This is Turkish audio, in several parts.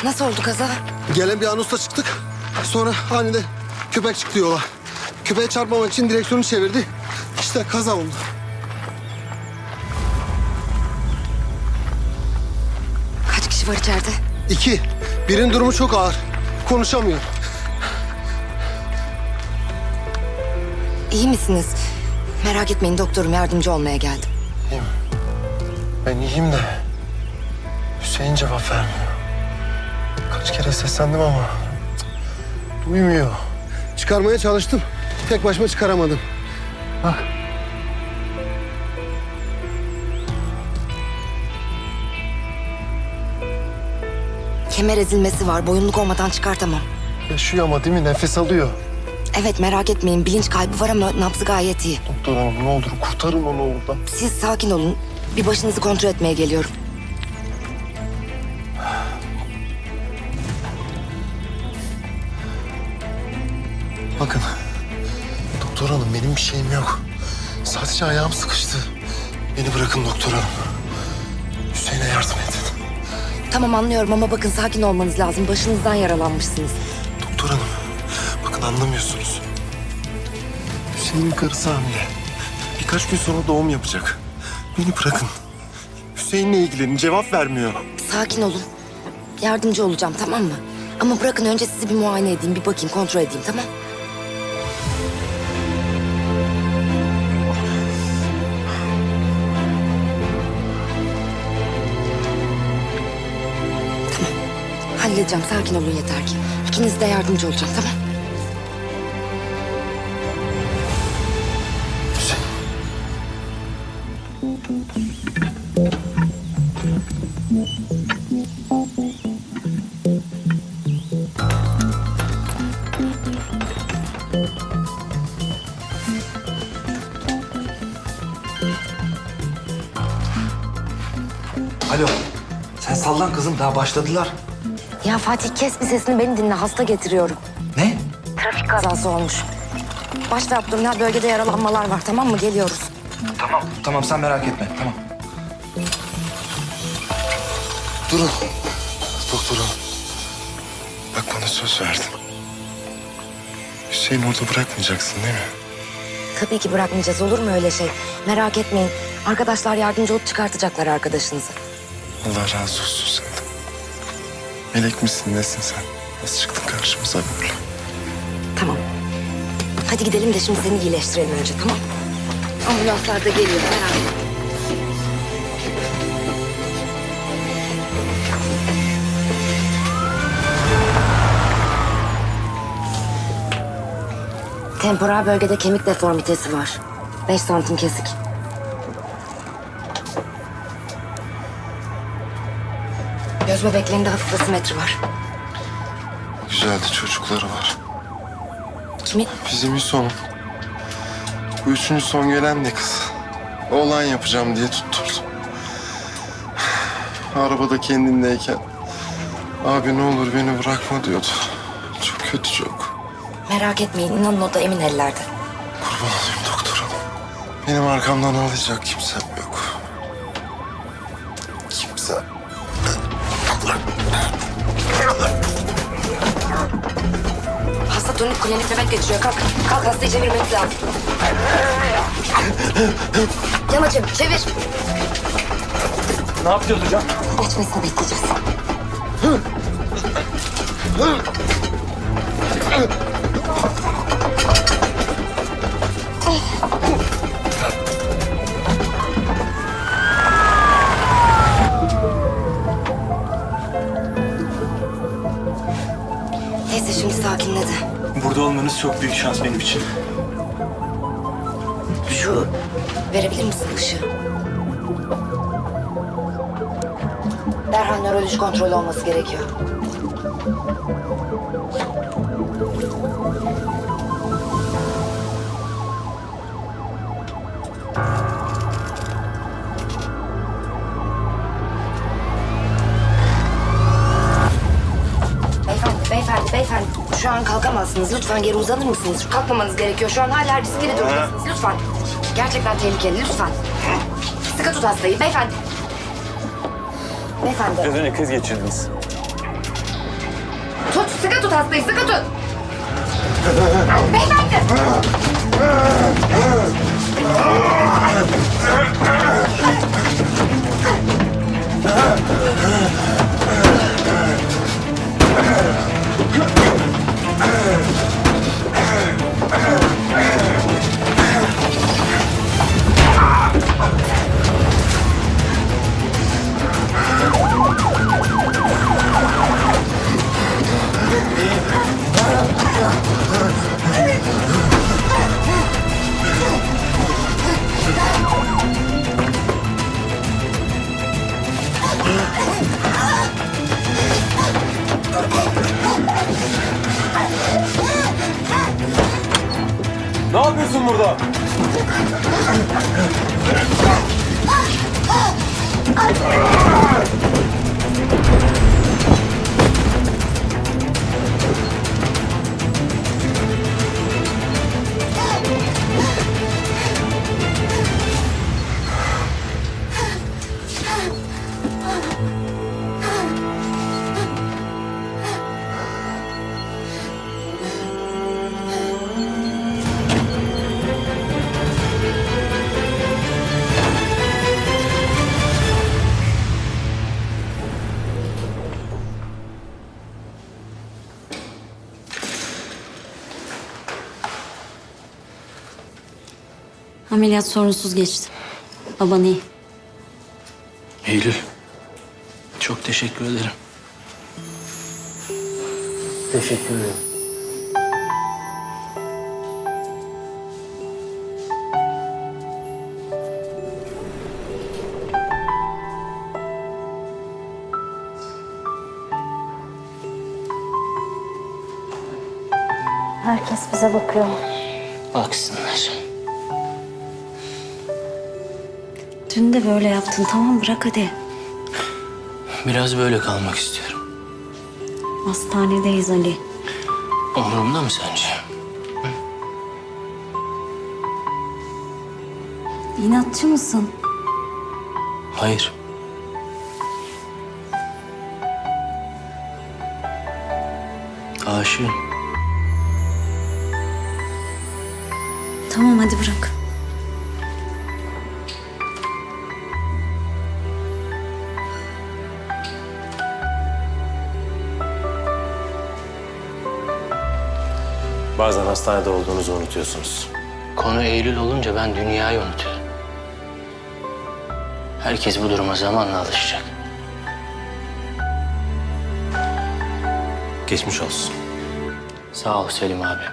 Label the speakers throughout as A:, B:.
A: Nasıl oldu kaza?
B: Gelen bir anonsla çıktık. Sonra aniden köpek çıktı yola. Köpeğe çarpmamak için direksiyonu çevirdi. İşte kaza oldu.
A: Kaç kişi var içeride?
B: 2. Birinin durumu çok ağır. Konuşamıyor.
A: İyi misiniz? Merak etmeyin, doktorum, yardımcı olmaya geldim.
C: İyiyim. Ben iyiyim de Hüseyin cevap vermiyor. Kaç kere seslendim ama duymuyor.
B: Çıkarmaya çalıştım. Tek başıma çıkaramadım. Bak.
A: Kemer ezilmesi var, boyunluk olmadan çıkartamam.
C: Yaşıyor ama değil mi? Nefes alıyor.
A: Evet, merak etmeyin, bilinç kaybı var ama nabzı gayet iyi.
C: Doktor hanım ne olur kurtarın onu oradan.
A: Siz sakin olun, bir başınızı kontrol etmeye geliyorum.
C: Bakın doktor hanım benim bir şeyim yok. Sadece ayağım sıkıştı. Beni bırakın doktor hanım. Hüseyin'e yardım edin.
A: Tamam, anlıyorum ama bakın, sakin olmanız lazım. Başınızdan yaralanmışsınız.
C: Doktor hanım bakın anlamıyorsunuz. Hüseyin'in karısı hamile. Birkaç gün sonra doğum yapacak. Beni bırakın. Hüseyin'le ilgilenin cevap vermiyor.
A: Sakin olun. Yardımcı olacağım, tamam mı? Ama bırakın önce sizi bir muayene edeyim, bir bakayım, kontrol edeyim, tamam? Tamam. Halledeceğim, sakin olun yeter ki. İkiniz de yardımcı olacağım, tamam?
C: Hüseyin.
D: Alo. Sen sallan kızım, daha başladılar.
A: Ya Fatih, kes bir sesini, beni dinle, hasta getiriyorum.
D: Ne?
A: Trafik kazası olmuş. Baş ve abdominal bölgede yaralanmalar var, tamam mı? Geliyoruz.
D: Tamam. Tamam, sen merak etme. Tamam.
C: Durun. Doktor hanım. Bak bana söz verdin. Hüseyin'i orada bırakmayacaksın değil mi?
A: Tabii ki bırakmayacağız, olur mu öyle şey? Merak etmeyin. Arkadaşlar yardımcı olup çıkartacaklar arkadaşınızı.
C: Allah razı olsun senden. Melek misin nesin sen? Nasıl çıktın karşımıza böyle?
A: Tamam. Hadi gidelim de şimdi seni iyileştirelim önce, tamam? Ambulanslar da geliyor, merak etme. Temporal bölgede kemik deformitesi var. 5 santim kesik. Göz bebeklerinde hafif asimetri var.
C: Güzeldi çocukları var.
A: Kimin?
C: Bizim Hüson'un. Bu üçüncü son gelen de kız. Oğlan yapacağım diye tutturdu. Arabada kendindeyken abi ne olur beni bırakma diyordu. Çok kötü çok.
A: Merak etmeyin, inanın o da emin ellerde.
C: Kurban olayım doktor hanım. Benim arkamdan ağlayacak kimsem yok. Kimse.
A: Hasta tonik klinik nöbet geçiriyor. Kalk, kalk, hastayı çevirmemiz lazım. Yamacım, çevir.
D: Ne yapacağız hocam?
A: Geçmesini bekleyeceğiz. Neyse, şimdi sakinledi.
E: Burada olmanız çok büyük şans benim için.
A: Şu, verebilir misin ışığı? Derhal nöroloji kontrolü olması gerekiyor. Beyefendi, şu an kalkamazsınız. Lütfen geri uzanır mısınız? Kalkmamanız gerekiyor. Şu an hala riskli durumdasınız. Lütfen. Gerçekten tehlikeli, lütfen. Sıkı tut hastayı, beyefendi. Beyefendi.
E: Biraz önce kriz geçirdiniz.
A: Sıkı tut hastayı, sıkı tut. Beyefendi.
C: Ne yapıyorsun burada?
F: Ameliyat sorunsuz geçti. Baban iyi.
E: Eylül. Çok teşekkür ederim. Teşekkür ederim.
F: Herkes bize bakıyor.
E: Baksınlar.
F: Dün de böyle yaptın. Tamam bırak hadi.
E: Biraz böyle kalmak istiyorum.
F: Hastanedeyiz Ali.
E: Umurumda mı sence?
F: İnatçı mısın?
E: Hayır. Aşığım.
F: Tamam hadi bırak.
C: Bazen hastanede olduğunuzu unutuyorsunuz.
E: Konu Eylül olunca ben dünyayı unutuyorum. Herkes bu duruma zamanla alışacak.
C: Geçmiş olsun.
E: Sağ ol Selim abi.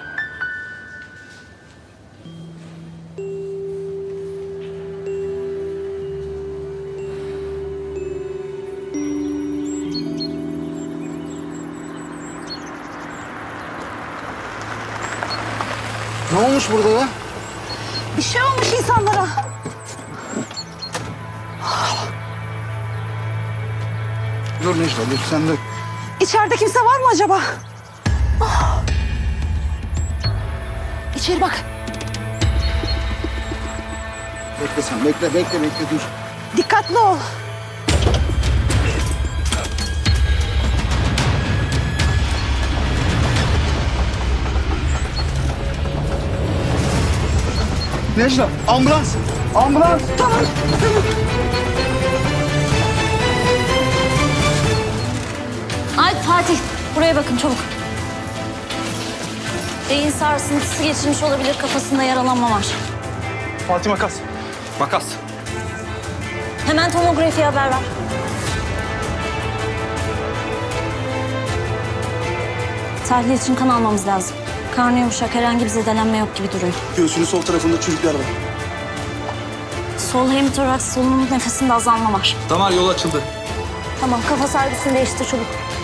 B: Ne olmuş burada ya?
G: Bir şey olmuş insanlara.
B: Dur Necla dur sen de.
G: İçeride kimse var mı acaba? Ah. İçeri bak.
B: Bekle sen bekle dur.
G: Dikkatli ol.
B: Necla ambulans. Ambulans.
G: Tamam.
F: Ay Fatih buraya bakın çabuk. Beyin sarsıntısı geçirmiş olabilir. Kafasında yaralanma var.
E: Fatih makas. Makas.
F: Hemen tomografiye haber ver. Tahlil için kan almamız lazım. Karnı yumuşak, herhangi bir zedelenme yok gibi duruyor.
B: Göğsünün sol tarafında çürükler var.
F: Sol hemitoraks, solunum nefesinde azalma var.
D: Damar yolu açıldı.
F: Tamam, kafa servisini değiştir çabuk.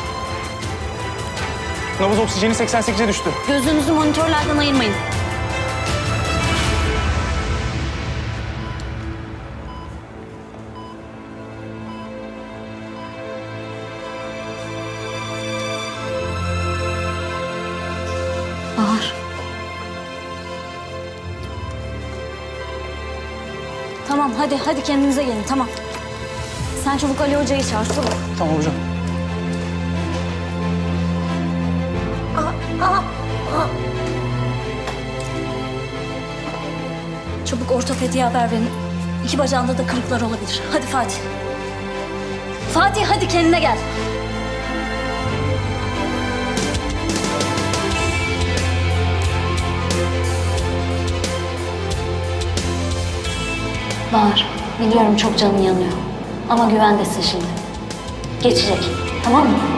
E: Nabız oksijeni 88'e düştü.
F: Gözünüzü monitörlerden ayırmayın. Bahar. Tamam, hadi kendinize gelin, tamam. Sen çabuk Ali Hoca'yı çağır, çabuk.
E: Tamam hocam.
F: Çabuk ortopediye haber verin. İki bacağında da kırıklar olabilir. Hadi Fatih. Fatih hadi kendine gel. Bahar, biliyorum çok canın yanıyor. Ama güvendesin şimdi. Geçecek, tamam mı?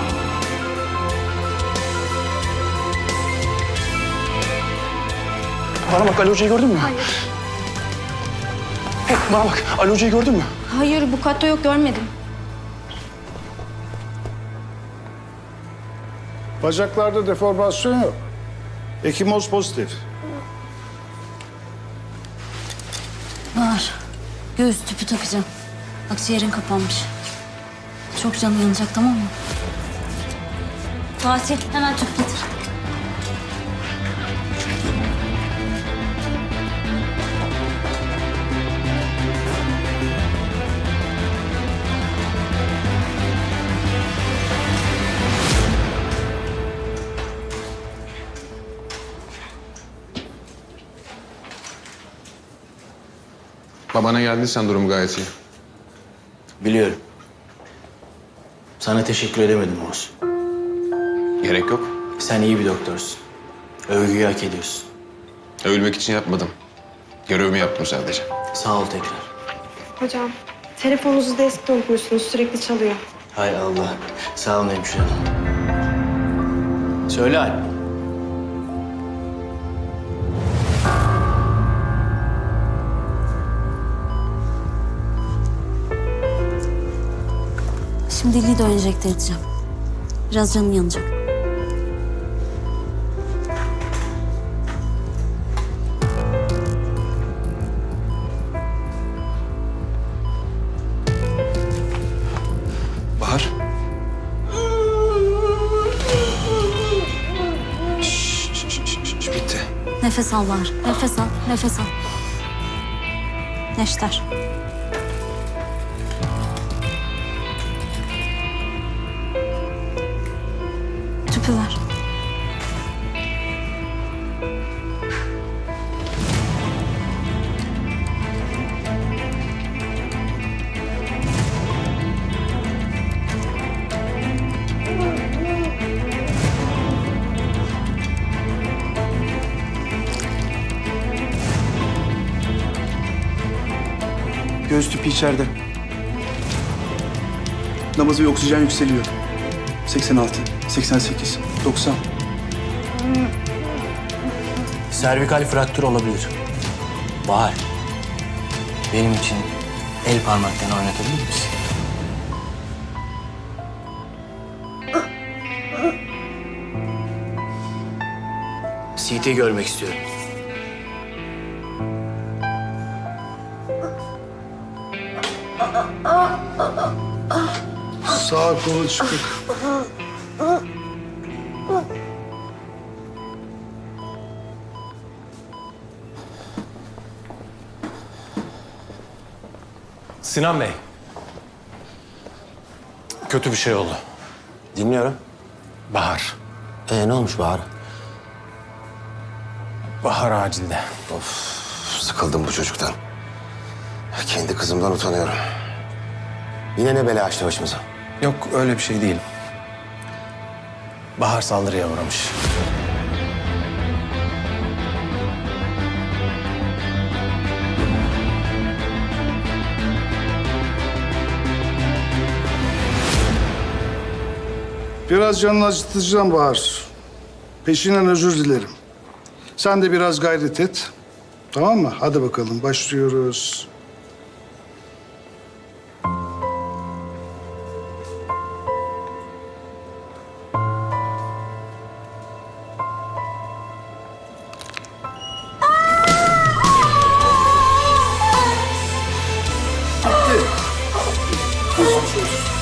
E: Bana bak, Ali Hoca'yı gördün mü? Hayır. Bana bak, Ali Hoca'yı gördün mü?
H: Hayır, bu katta yok, görmedim.
I: Bacaklarda deformasyon yok. Ekimoz pozitif.
F: Bahar, göğüs tüpü takacağım. Akciğerin kapanmış. Çok canı yanacak, tamam mı? Fatih, hemen tüp getir.
J: Babana geldiysen durum gayet iyi.
E: Biliyorum. Sana teşekkür edemedim Oğuz.
J: Gerek yok.
E: Sen iyi bir doktorsun. Övgüyü hak ediyorsun.
J: Övülmek için yapmadım. Görevimi yaptım sadece.
E: Sağ ol tekrar.
H: Hocam, telefonunuzu deskte unutmuşsunuz, sürekli çalıyor.
E: Hay Allah. Sağ olun hemşire hanım. Söyle Alp.
F: Şimdi Lido enjekte edeceğim. Biraz canın yanacak.
D: Bahar. Bitti.
F: Nefes al Bahar. Nefes al, nefes al. Neşter. Tüpü ver.
K: Göğüs tüpü içeride. Nabız ve oksijen yükseliyor. 86, 88, 90.
E: Servikal fraktür olabilir. Bahar. Benim için el parmaklarını oynatabilir misin? CT görmek istiyorum.
I: Sağ kolu çıkık.
C: Sinan Bey. Kötü bir şey oldu.
L: Dinliyorum.
C: Bahar.
L: Ne olmuş Bahar?
C: Bahar acilde.
L: Sıkıldım bu çocuktan. Kendi kızımdan utanıyorum. Yine ne bela açtı başımıza?
C: Yok öyle bir şey değil. Bahar saldırıya uğramış.
I: Biraz canını acıtacağım Bahar. Peşinden özür dilerim. Sen de biraz gayret et. Tamam mı? Hadi bakalım başlıyoruz. Bitti. Geçmiş olsun.